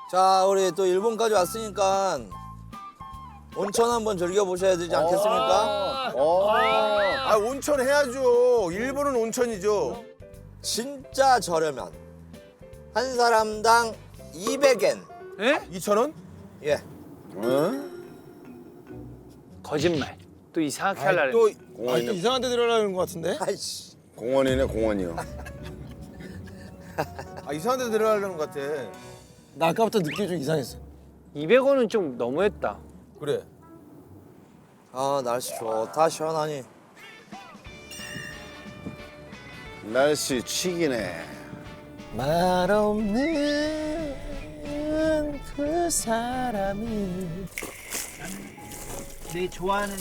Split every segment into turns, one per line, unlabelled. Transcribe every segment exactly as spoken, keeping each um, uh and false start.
자, 우리 또 일본까지 왔으니까 온천 한번 즐겨보셔야 되지 않겠습니까?
어. 아 온천 해야죠. 일본은 온천이죠.
진짜 저렴한 한 사람당 이백 엔.
에?
이천 원?
예.
거짓말. 또 이상하게 하려고.
또
공원이네.
이상한 데 들어가는 것 같은데?
아이씨.
공원이네 공원이요.
아 이상한 데 들어가려는 것 같아.
나 아까부터 느낌이 좀 이상했어.
이백 원은 좀 너무했다.
그래.
아, 날씨 좋다, 시원하니.
날씨 치기네.
말 없는 그 사람이
내 좋아하는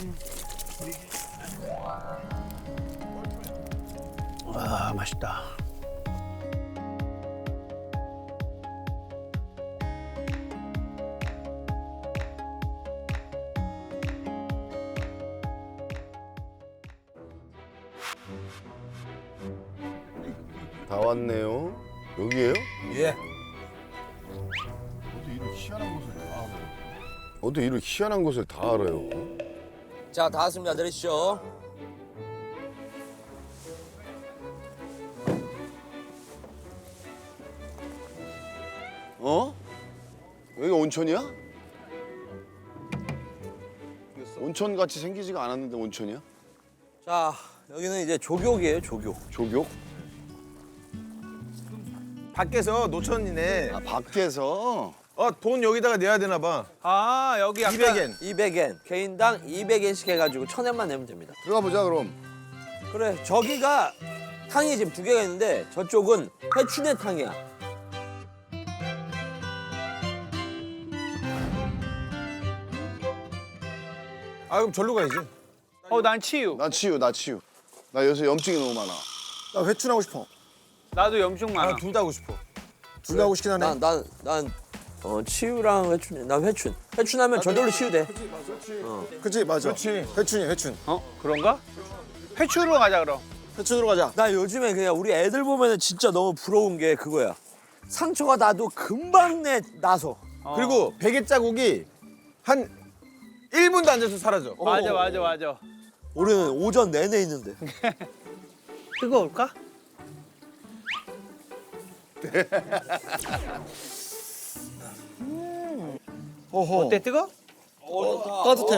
와 맛있다.
다 왔네요. 여기에요?
예.
어떻게 이런 희한한 곳을 다 알아요? 어떻게 이런 희한한 곳을 다 알아요?
자, 다 왔습니다. 내리시죠.
어? 여기가 온천이야? 온천 같이 생기지가 않았는데 온천이야?
자, 여기는 이제 조교이에요, 조교.
조교?
밖에서 노천이네.
아 밖에서?
어 돈 여기다가 내야 되나 봐.
아 여기 아까
이백 엔.
이백 엔. 개인당 이백 엔씩 해가지고 천 엔만 내면 됩니다.
들어가 보자 그럼.
그래, 저기가 탕이 지금 두 개가 있는데 저쪽은 해춘의 탕이야.
아 그럼 절로 가야지.
어난 치유.
나 치유 나 치유. 나 요새 염증이 너무 많아.
나 회춘하고 싶어.
나도 염증 많아.
나둘 다 하고 싶어.
둘 다 하고 싶긴 하네.
난, 난, 난, 어, 치유랑 회춘, 난 회춘. 회춘하면 저절로 치유돼.
그치 맞아.
그렇지.
회춘이 회춘.
어 그런가? 회추로 가자 그럼.
회춘으로 가자.
나 요즘에 그냥 우리 애들 보면은 진짜 너무 부러운 게 그거야. 상처가 나도 금방 내, 나서.
어.
그리고 베개 자국이 한 일 분도 안 돼서 사라져.
맞아 맞아 맞아.
우리는 오전 내내 있는데.
뜨거울까?
어허.
어때 뜨거?
따뜻해.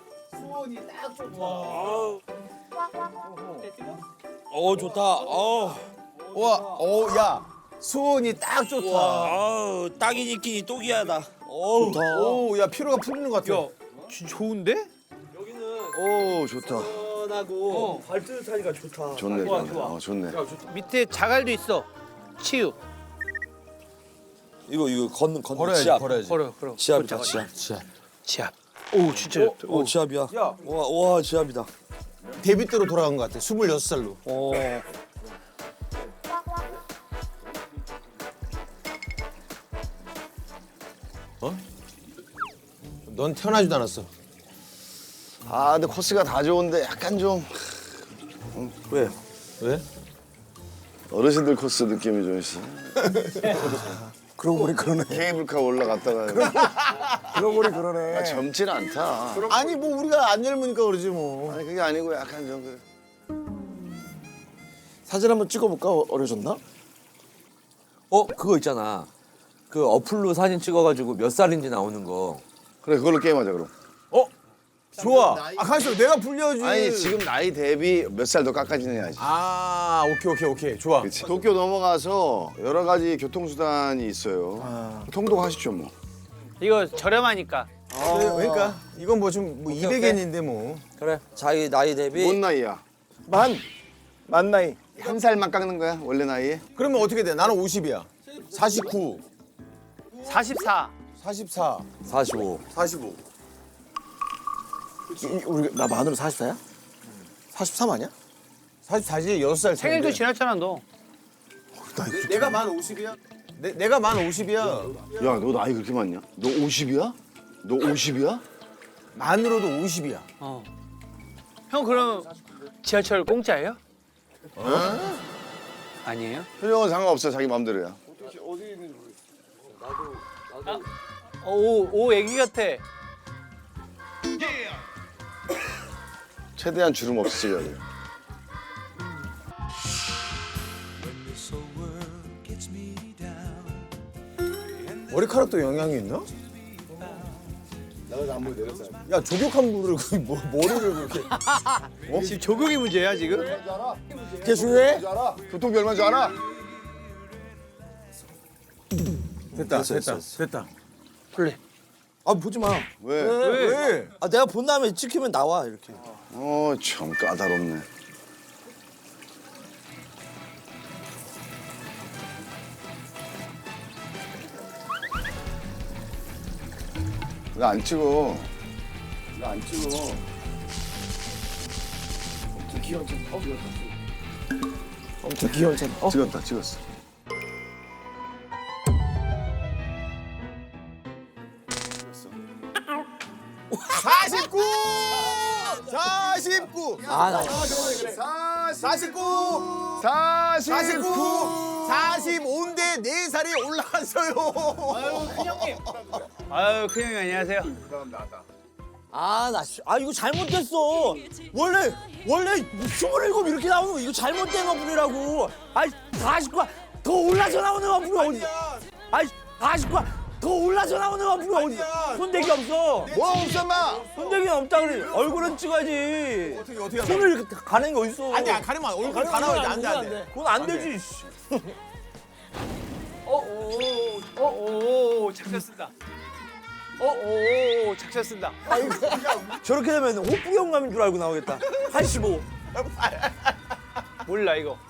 어, 좋다. 어.
와, 어, 야, 수온이 딱 좋다.
아우, 딱이 니끼니 또기야다. 어우.
오, 야, 피로가 풀리는 것 같아.
야 진- 좋은데?
여기는
오 좋다.
시원하고 발뜨뜻하니까 좋다.
좋네
좋아,
좋네.
좋아.
어, 좋네.
밑에 자갈도 있어. 치유.
이거 이거 걷는 걷는
걸어야지,
지압.
걸어야지.
걸어 걸어.
지압이다,
걷자,
지압.
걷자.
지압.
지압. 오 진짜.
어, 어, 지압이야.
야.
와, 와, 지압이다.
데뷔 때로 돌아간 것 같아. 스물여섯 살로.
어.
넌 태어나지도 않았어.
아 근데 코스가 다 좋은데 약간 좀
왜?
왜?
어르신들 코스 느낌이 좀 있어.
그러고 보니 그러네.
케이블카 올라갔다가
그러고 보니 그러네.
아, 젊진 않다.
아니, 뭐 우리가 안 젊으니까 그러지 뭐.
아니 그게 아니고 약간 좀 그래.
사진 한번 찍어볼까? 어- 어려졌나?
어, 그거 있잖아. 그 어플로 사진 찍어가지고 몇 살인지 나오는 거.
그래 그걸로 게임하자 그럼.
어? 좋아. 아, 가만있어. 내가 불려야지.
아니 지금 나이 대비 몇 살 더 깎아지느냐지.
아, 오케이, 오케이, 오케이. 좋아.
그치. 도쿄 넘어가서 여러 가지 교통수단이 있어요. 통독하시죠 뭐.
이거 저렴하니까.
그래, 그러니까 이건 뭐 좀 뭐 이백 엔인데 뭐.
그래. 자기 나이 대비.
뭔 나이야?
만. 만 나이.
한 살만 깎는 거야 원래 나이에?
그러면 어떻게 돼? 나는 오십이야. 사십구,
사십사.
사십사,
사십오.
사십오.
이- 이- 우리 나 만으로 사십사야? 사십삼 아니야?
사십사지, 여섯 살 차인데.
생일도 지났잖아 너.
내, 내가 만 오십이야? 내, 내가 만 오십이야.
야 너 나이 그렇게 많냐? 너 오십이야? 너 오십이야?
만으로도 오십이야.
어. 형 그럼 지하철 공짜예요? 아니에요?
표정은 상관없어 자기 마음대로야.
오, 오 애기 같아.
최대한 주름 없이 찍어야 돼요.
머리카락도 영향이 있나? 야 조격한 물을 그 뭐, 머리를 그렇게
지금 조경이 문제야 지금?
그게 중요해?
교통비 얼마인 줄 알아?
됐다
됐어,
됐다
됐어.
됐다.
플레.
아 보지 마.
왜?
왜?
아 내가 본 다음에 찍히면 나와 이렇게.
어, 참 까다롭네. 왜 안 찍어? 왜 안 찍어?
엄청 귀여웠잖아. 어?
찍었다, 찍었어.
사십구! 사십구!
아 나.
사십구!
사십구!
사십구! 사십오인데 네 살이 올라갔어요.
아유 큰형님 안녕하세요.
아, 나, 씨- 아, 이거 잘못됐어. 원래, 원래 스물일곱 이렇게 나오는 거, 이거 잘못된 어플이라고. 아이, 사십구, 더 올라서 나오는 어플이 어디? 아이, 사십구, 더 올라서 나오는 어플이 어디? 손대기 없어.
뭐 없어, 마!
손대기는 없다 그래. 얼굴은 찍어야지.
어떻게 어떻게
손을 이렇게 가는 게 어딨어.
아니 안 가리면 얼굴 다 나와야 돼. 안 돼, 안 돼.
그건 안 되지. 씨.
오오오 작전 쓴다. 오오오 작전 쓴다.
저렇게 되면 호프 영감인 줄 알고 나오겠다. 팔십오.
몰라 이거.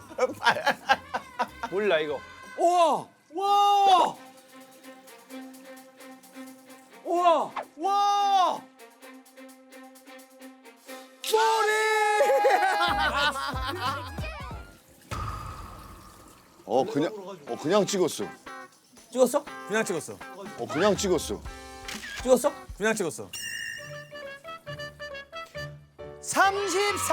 몰라 이거.
우와! 와! 우와! 와!
어, 그냥, 어, 그냥 찍었어.
찍었어?
그냥 찍었어.
어, 그냥 찍었어.
찍었어?
그냥 찍었어.
삼십사.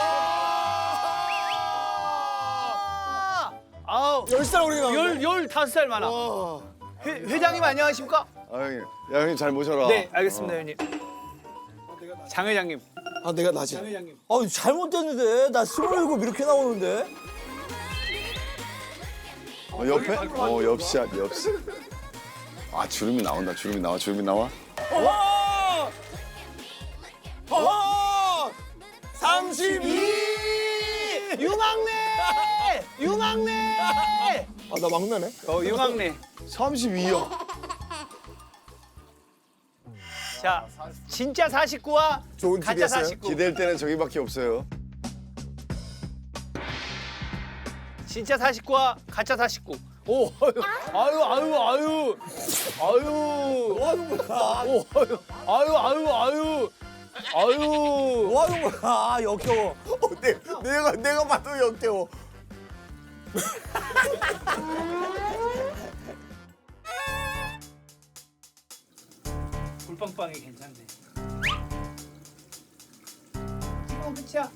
아우
열 살 어리게 나왔네.
열 열다섯 살 많아. 회, 회장님 안녕하십니까?
아, 형님. 야, 형님 잘 모셔라.
네 알겠습니다 형님. 장 회장님.
아 내가 나지.
회장님.
아, 잘못됐는데. 나 스물일곱 이렇게 나오는데.
어, 옆에? 어, 옆샷, 옆샷. 아, 주름이 나온다, 주름이 나와, 주름이 나와.
와! 와! 삼십이!
유망래. 유망래.
아 나 막내네.
어 유망래.
삼십이요.
자 진짜 사십구와
좋은
가짜
팁이었어요.
사십구.
기댈 때는 저기밖에 없어요.
진짜 사십구와 가짜 사십구. 오, 아유, 아유, 아유, 아유, 뭐 하는 거야? 오, 아유, 아유, 아유, 아유, 아유.
뭐 하는 거야? 아, 역겨워.
어, 내, 내가 내가 봐도 역겨워.
불빵빵이 괜찮네. 지금 끝이야.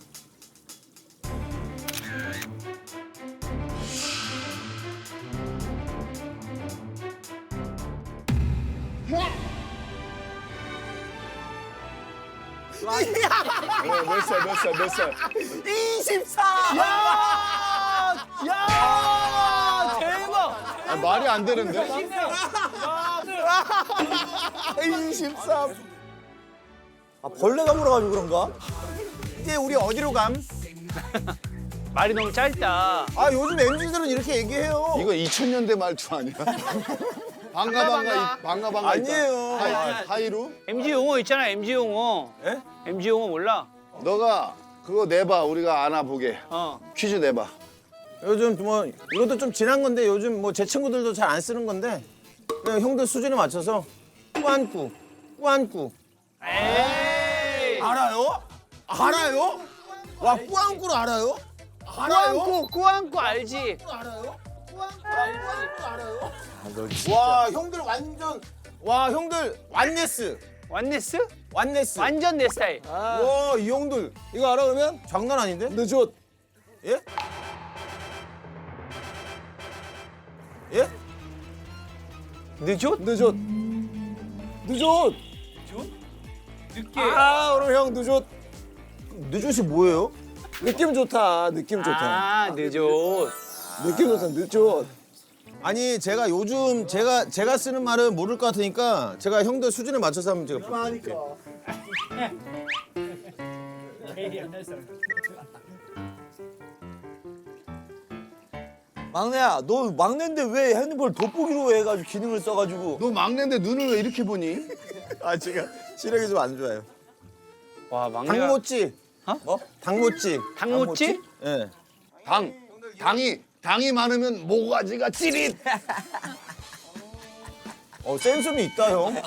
네, 몇 살, 몇 살, 몇 살.
이십사!
야, 야, 대박.
아, 말이 안 되는데?
이십삼.
아, 벌레가 물어가지고 그런가?
이제 우리 어디로 감?
말이 너무 짧다.
아 요즘 엠지들은 이렇게 얘기해요.
이거 이천 년대 말투 아니야? 반가, 반가, 이- 반가, 반가.
아니에요.
하이, 하이루?
엠지 용어 있잖아, 엠지 용어.
예?
엠지 용어 몰라?
너가 그거 내봐, 우리가 알아보게.
어.
퀴즈 내봐.
요즘 뭐 이것도 좀 지난 건데 요즘 뭐 제 친구들도 잘 안 쓰는 건데 그냥 형들 수준에 맞춰서 꾸안꾸, 꾸안꾸.
에이.
알아요? 알아요? 와 꾸안꾸를 알아요? 알아요?
꾸안꾸, 꾸안꾸 알지?
와 형들 완전 와 형들 완네스,
완네스?
완네스.
완전 내 스타일.
와 이 형들 이거 알아 그러면 장난 아닌데? 늦었. 예? 예?
늦었?
늦었. 늦었.
늦게.
아, 오늘 형 늦었. 늦었이 뭐예요? 느낌 좋다. 느낌 좋다.
아, 늦었.
느낌 좋다. 늦었. 아니 제가 요즘 제가 제가 쓰는 말은 모를 것 같으니까 제가 형들 수준에 맞춰서 한번 제가 볼게요.
막내야, 너 막내인데 왜 핸드폰 돋보기로 해가지고 기능을 써가지고.
너 막내인데 눈을 왜 이렇게 보니?
아 제가 시력이 좀 안 좋아요.
와, 막내가.
당모찌.
어?
뭐? 당모찌.
당모찌?
예.
당 당이 당이 많으면 모가지가 찌릿.
어 센스는 있다 형.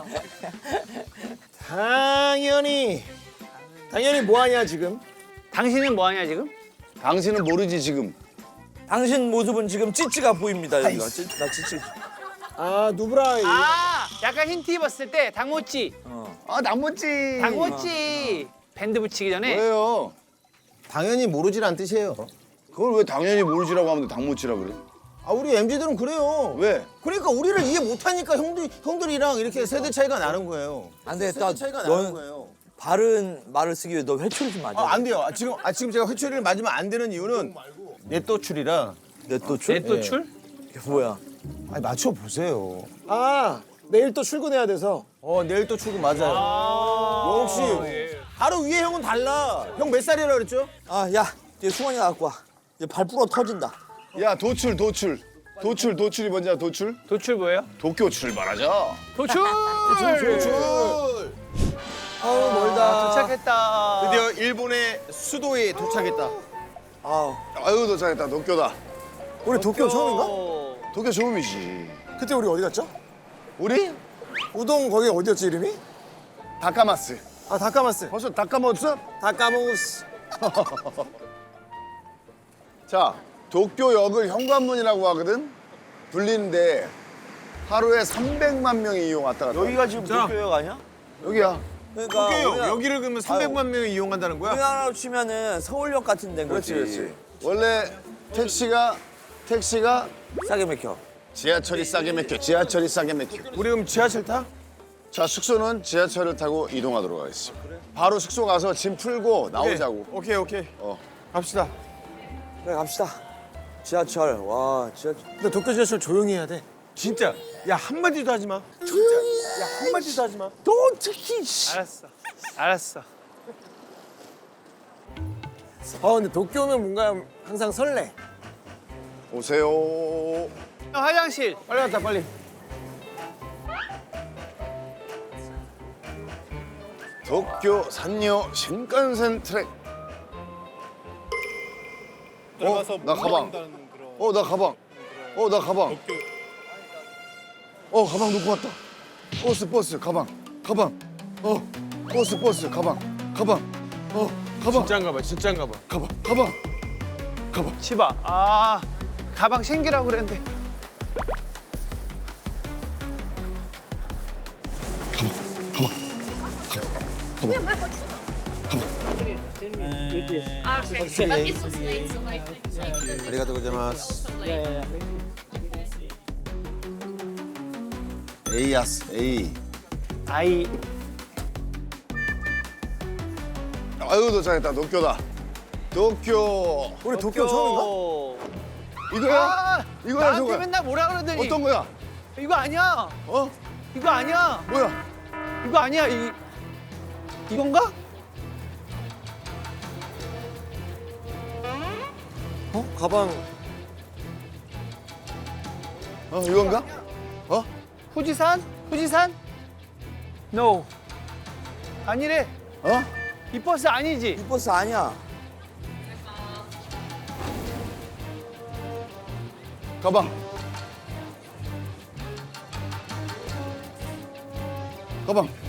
당연히 당연히 뭐 하냐 지금?
당신은 뭐 하냐, 지금?
당신은 모르지 지금.
당신 모습은 지금 찌찌가 보입니다. 여기가 찌, 나 찌찌.
아 누브라.
아, 약간 힌트 입었을 때 당모찌.
아 남모찌.
당모찌. 밴드 붙이기 전에.
왜요?
당연히 모르지란 뜻이에요.
그걸 왜 당연히 모르지라고 하면 당모찌라 그래?
아 우리 엠지들은 그래요.
왜?
그러니까 우리를 이해 못하니까 형들 형들이랑 이렇게 세대 차이가 나는 거예요.
안 되겠다.
세대 차이가 나는
넌
거예요.
바른 말을 쓰기 위해 너 회초리 좀 맞아.
아, 안 돼요. 아, 지금 아, 지금 제가 회초리를 맞으면 안 되는 이유는 넷도출이라.
넷도출?
넷도출?
이게 뭐야?
아니 맞춰 보세요.
아, 내일 또 출근해야 돼서.
어 내일 또 출근 맞아요. 역시 바로 위에 형은 달라. 형 몇 살이라 그랬죠?
아, 야, 이제 수건이 갖고 와. 이제 발 부러 터진다.
야 도출 도출 도출 도출이 뭔지 알아? 도출?
도출 뭐예요?
도쿄 출발하자.
도출!
아우 멀다.
도착했다.
드디어 일본의 수도에 도착했다.
아우.
아유 도착했다. 도쿄다.
우리 도쿄 처음인가?
어.
도쿄 처음이지.
그때 우리 어디 갔죠?
우리
우동 거기 어디였지 이름이?
다카마스.
아, 다카마스.
벌써 다 까먹었어?
다 까먹었어.
자, 도쿄역을 현관문이라고 하거든. 불리는데 하루에 삼백만 명이 이용 왔다 갔다.
여기가 지금
자.
도쿄역 아니야?
여기야.
그러니까
도쿄역
우리나라-
여기를 그러면 삼백만 명이 이용한다는 거야?
우리나라로 치면은 서울역 같은 데인 거지.
그렇지, 그렇지. 원래 택시가 택시가
싸게 맥혀.
지하철이 싸게 맥혀. 지하철이 싸게 맥혀.
우리 그럼 지하철 타?
자, 숙소는 지하철을 타고 이동하도록 하겠습니다. 바로 숙소 가서 짐 풀고 나오자고.
오케이 오케이.
어.
갑시다.
그래 갑시다. 지하철. 와, 지하철.
근데 도쿄 지하철 조용히 해야 돼.
진짜. 야 한마디도 하지 마. 조용히. 야 한마디도 하지 마.
너 특히 씨.
알았어. 알았어.
어, 근데 도쿄면 뭔가 항상 설레.
오세요.
형, 화장실.
빨리 갔다 빨리.
도쿄 산요 신칸센 트랙. 어, 나 가방. 어, 나 가방. 어, 나 가방. 어, 가방 놓고 왔다. 버스, 버스, 가방. 가방. 어, 버스, 버스, 가방. 가방. 어, 가방.
진짜인가 봐. 진짜인가 봐.
가방. 가방. 가방.
치바. 아, 가방 챙기라고 그랬는데.
Okay, but this was late, so like,
아리가토 고자마스.
에이야스, 에이.
아이.
아유, 도착했다. 도쿄다. 도쿄.
우리 도쿄 처음인가?
어.
이거야?
아,
이거야,
나한테
저거야?
맨날 뭐라 그러더니.
어떤 거야?
이거 아니야.
어?
이거 아니야.
뭐야?
이거 아니야. 이 이건가?
어? 가방.
어, 이건가? 어?
후지산? 후지산? No. 아니래.
어?
이 버스 아니지.
이 버스 아니야.
가방. 가방.